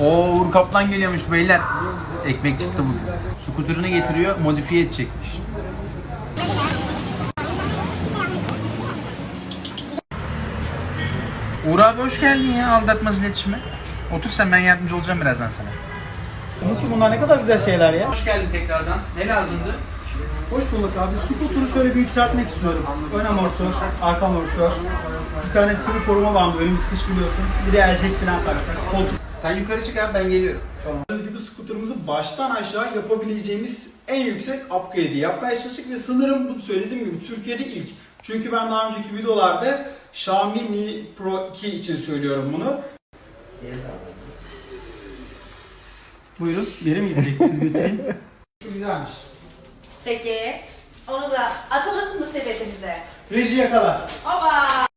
Oo, Uğur Kaplan geliyormuş beyler. Ekmek çıktı bugün. Skuterını getiriyor, modifiye edecekmiş. Uğur abi hoş geldin ya, aldatmaz iletişime. Otur sen, ben yardımcı olacağım birazdan sana. Umut'cum bunlar ne kadar güzel şeyler ya. Hoş geldin tekrardan. Ne lazımdı? Hoş bulduk abi. Scooter'ı şöyle bir yükseltmek istiyorum. Ön amortisör, arka amortisör. Bir tane sıvı koruma bandı. Önümüz kış biliyorsun. Bir de elcek falan taksak. Koltuk. Sen yukarı çık abi, ben geliyorum. Gördüğünüz gibi scooter'ımızı baştan aşağı yapabileceğimiz en yüksek upgrade'i yapmaya çalıştık ve sanırım bu söylediğim gibi Türkiye'de ilk. Çünkü ben daha önceki videolarda Xiaomi Mi Pro 2 için söylüyorum bunu. Buyurun, bir yere mi gidecektiniz, götüreyim? Şu güzelmiş. Peki. Onu da atalım mı sepetimize? Reji yakala. Oba!